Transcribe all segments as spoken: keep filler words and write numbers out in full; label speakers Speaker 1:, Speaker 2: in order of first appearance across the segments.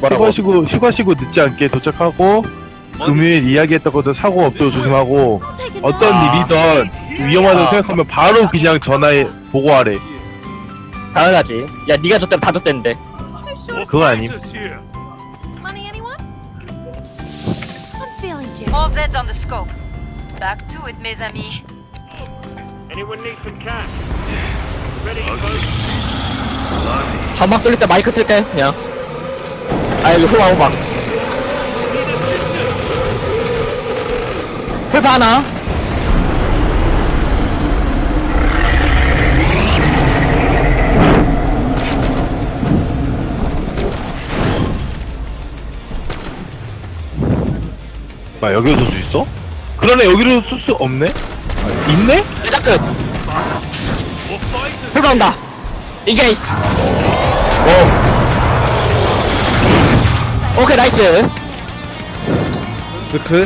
Speaker 1: 뭐라고?
Speaker 2: 휴가시고 휴가시고 늦지 않게 도착하고 금요일 이야기했던 것도 사고 없도록 조심하고 어떤
Speaker 1: 아.
Speaker 2: 일이든 위험하다고
Speaker 1: 아.
Speaker 2: 생각하면 바로 그냥 전화해 보고하래.
Speaker 1: 당연하지. 야 니가 저 때는 다 줬댔는데.
Speaker 2: 그거 아님.
Speaker 3: Money, anyone? I'm feeling
Speaker 4: All
Speaker 3: generous.
Speaker 4: Z's on the scope. Back to it, mes amis.
Speaker 5: Anyone need some cash? Ready, folks?
Speaker 1: 전막 뚫릴 때 마이크 쓸게 그냥. 아 여기 후방 후방. 풀파 하나.
Speaker 2: 아 여기로 쏠 수 있어? 그러네 여기로 쏠 수 없네? 아, 있네?
Speaker 1: 일자 끝. 풀파 온다. 이게.
Speaker 2: 어
Speaker 1: 오케이 나이스.
Speaker 2: 스크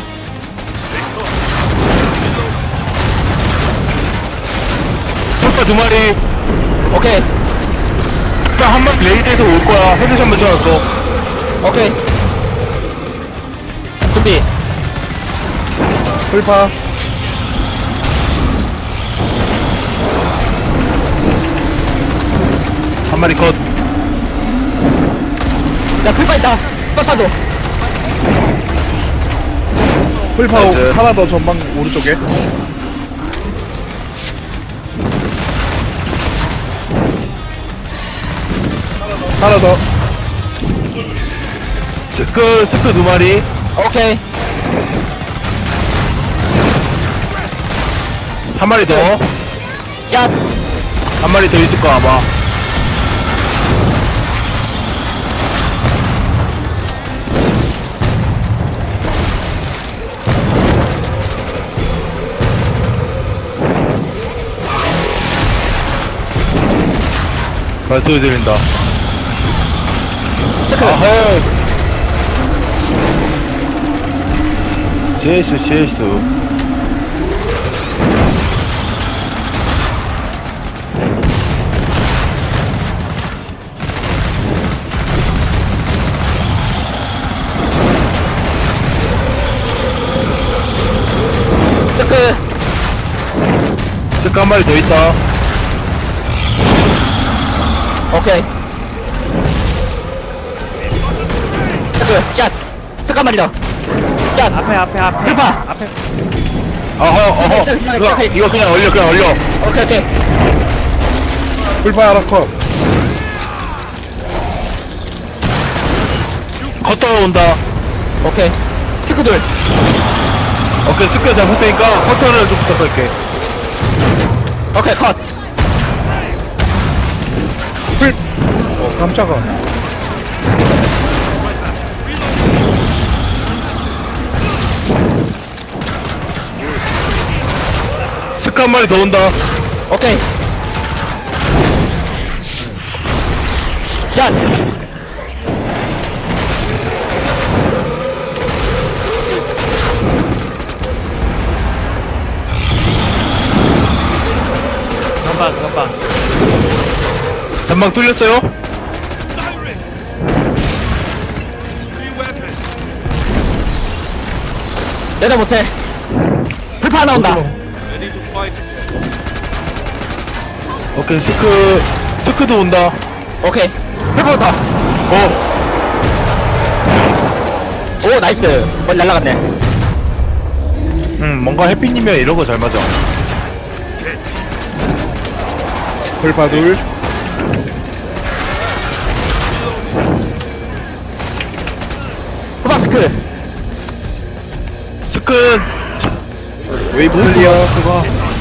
Speaker 2: 풀파 두 마리.
Speaker 1: 오케이
Speaker 2: 풀파 한 마리 레이드에서 올 거야. 헤드샷 맞춰놨어.
Speaker 1: 오케이. 준비.
Speaker 2: 풀파 한 마리 컷.
Speaker 1: 야 풀파 있다. 쏴쏴줘.
Speaker 2: 풀파
Speaker 6: 하나 더 전방 오른쪽에. 하나 더.
Speaker 2: 스크 스크 두 마리.
Speaker 1: 오케이.
Speaker 2: 한 마리 더.
Speaker 1: 샷.
Speaker 2: 한 마리 더 있을 거 아마. 발소리 들린다.
Speaker 1: 스크.
Speaker 2: 아하. 실수 실수.
Speaker 1: 스크.
Speaker 2: 스크 한 마리 더 있다.
Speaker 1: 오케이. 스크. 샷. 스크 한 마리 더. 샷.
Speaker 6: 앞에 앞에 앞에.
Speaker 1: 풀파.
Speaker 6: 앞에.
Speaker 2: 어허 어허. 이거, 이거 그냥 얼려 그냥 얼려.
Speaker 1: 오케이 오케이.
Speaker 6: 불파 하나 컷.
Speaker 2: 컷터 온다.
Speaker 1: 오케이. 스크 둘.
Speaker 2: 오케이 스크 잡을 테니까 커터를 좀 부탁할게.
Speaker 1: 오케이 컷.
Speaker 6: 어 깜짝아.
Speaker 2: 스크 한 마리 더 온다.
Speaker 1: 오케이. 샷.
Speaker 6: 금방 금방.
Speaker 2: 전방 뚫렸어요?
Speaker 1: 내다 못해. 풀파 하나 온다.
Speaker 2: 오케이 스크 스크도 온다.
Speaker 1: 오케이. 풀파부터.
Speaker 2: 어
Speaker 1: 오 나이스. 멀리 날라갔네.
Speaker 2: 음 뭔가 해피님이랑 이런 거 잘 맞아.
Speaker 6: 불파 둘.
Speaker 1: 후방 스크.
Speaker 2: 스크
Speaker 6: 웨이브 클리어.
Speaker 2: 그거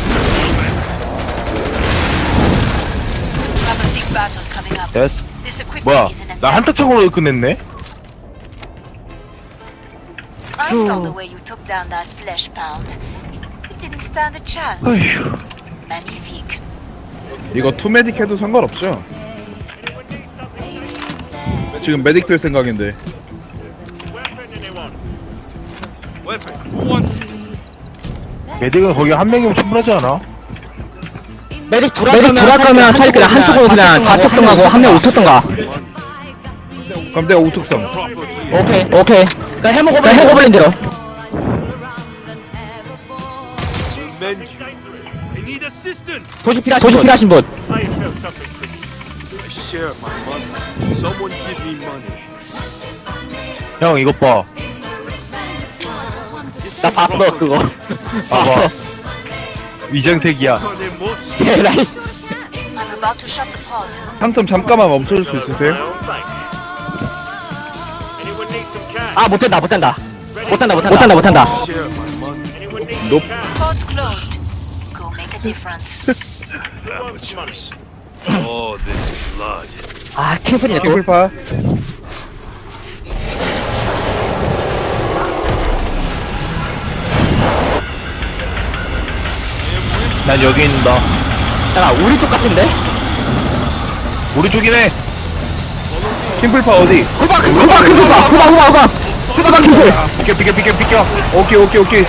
Speaker 4: Have a big battle coming up.
Speaker 2: 됐어.
Speaker 4: This equipment
Speaker 2: 뭐야
Speaker 4: is an
Speaker 2: 나 한타창으로 끝냈네.
Speaker 4: I saw the way you took down that flesh pound. It didn't stand a chance.
Speaker 2: 어휴.
Speaker 4: Magnifique.
Speaker 6: 이거 투 메딕 해도 상관없죠? 지금 메딕 될 생각인데.
Speaker 2: 메딕은 거기 한 명이면 충분하지 않아?
Speaker 1: 메딕
Speaker 7: 메딕 돌아가면 차라리 그냥 한쪽으로 그냥 다 쳤던가고 한 명 못 쳤던가.
Speaker 6: 근데 그럼 내가 우특성.
Speaker 1: 오케이 오케이 그냥 해먹어블린 해먹어블린 대로
Speaker 7: I need assistance.
Speaker 1: 도시 필요하신 도시 필요하신 분
Speaker 5: I felt something pretty.
Speaker 7: I share my money. Someone give me money.
Speaker 2: 형 이것 봐.
Speaker 1: 나 봤어 그거
Speaker 2: 봐봐. 위장색이야.
Speaker 7: Money moves.
Speaker 1: 예 나이스
Speaker 4: I'm about to shut the pod.
Speaker 6: 상점 잠깐만 멈춰줄 수
Speaker 5: My
Speaker 6: 있으세요?
Speaker 5: own bank. Anyone need some cash?
Speaker 1: 아 못된다 못된다
Speaker 5: Ready?
Speaker 1: 못한다 못한다 못한다
Speaker 7: Share my money.
Speaker 5: Anyone need
Speaker 6: Nope.
Speaker 5: some cash?
Speaker 4: Pod's closed. Go make a difference.
Speaker 5: Who wants money?
Speaker 7: Oh, this blood.
Speaker 1: 아 킹플이네 또
Speaker 6: 킹플파.
Speaker 2: 난 여기 있는다.
Speaker 1: 잠깐 우리 쪽 같은데?
Speaker 2: 우리 쪽이네.
Speaker 6: 킹플파 어디?
Speaker 1: 후방 후방 후방 후방 후방 후방 후방 킹플
Speaker 2: 비켜 비켜 비켜 비켜.
Speaker 6: 오케이 오케이 오케이.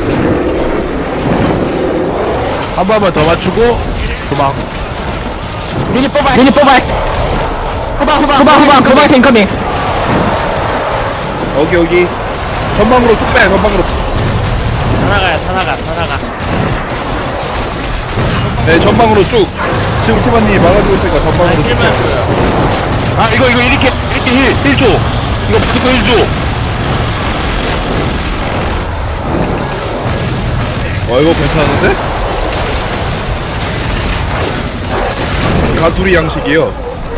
Speaker 2: 한 번만 더 맞추고 도망.
Speaker 1: 미니 뽑아 미니 뽑아 후방 후방 후방 후방 후방 인커밍
Speaker 6: 여기 여기. 전방으로 쭉 빼. 전방으로.
Speaker 5: 다 나가야, 다 나가, 다 나가.
Speaker 6: 네 전방으로 쭉. 지금 티바님이 막아주고 있으니까 전방으로 쭉
Speaker 5: 킬만
Speaker 6: 빼.
Speaker 5: 줘요.
Speaker 2: 아 이거 이거 이렇게 이렇게 힐 힐 줘. 이거 무조건 힐 줘.
Speaker 6: 어 이거 괜찮은데? 가두리 양식이요.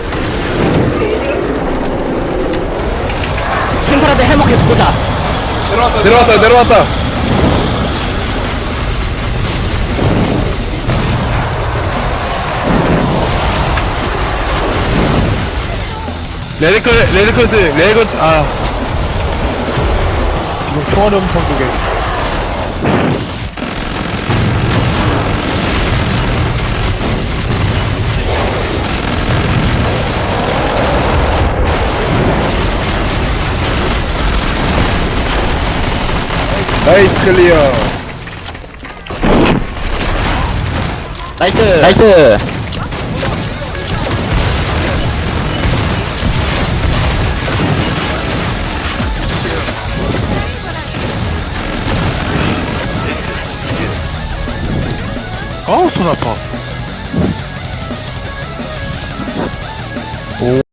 Speaker 1: 킹플한테 해먹게 보자
Speaker 6: 내려왔다 내려왔다.
Speaker 2: 레드컬 레드컬스 레건 아 지금 총알이 엄청 두개.
Speaker 6: 나이스 클리어.
Speaker 1: 나이스 나이스
Speaker 2: 아우 손 아파.